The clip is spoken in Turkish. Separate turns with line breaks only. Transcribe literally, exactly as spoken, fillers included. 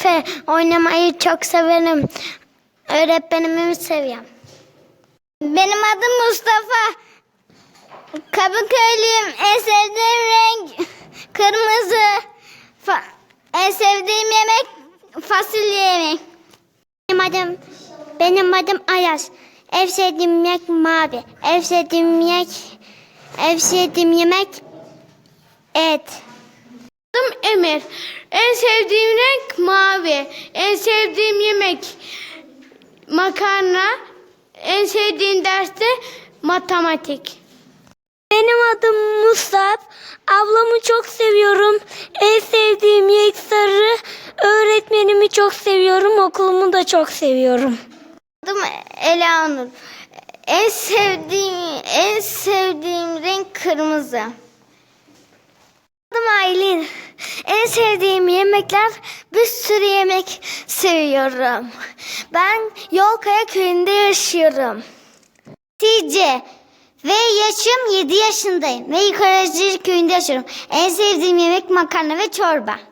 Efe, oynamayı çok severim. Öğretmenimi seviyorum. Benim adım Mustafa. Kadıköylüyüm. En sevdiğim renk kırmızı. Fa- en sevdiğim yemek fasulye yemek. Benim adım benim adım Ayaz. En sevdiğim yemek mavi. En sevdiğim yemek en sevdiğim yemek et.
Adım Emir. En sevdiğim renk mavi. En sevdiğim yemek makarna. En sevdiğim ders de matematik.
Benim adım Musab. Ablamı çok seviyorum. En sevdiğim yemek sarı. Öğretmenimi çok seviyorum. Okulumu da çok seviyorum. Adım Elanur. En sevdiğim en sevdiğim renk kırmızı. Adım Aylin. En sevdiğim yemekler, bir sürü yemek seviyorum. Ben Yolkaya köyünde yaşıyorum. Hatice ve yaşım yedi yaşındayım ve Yukarıcı köyünde yaşıyorum. En sevdiğim yemek makarna ve çorba.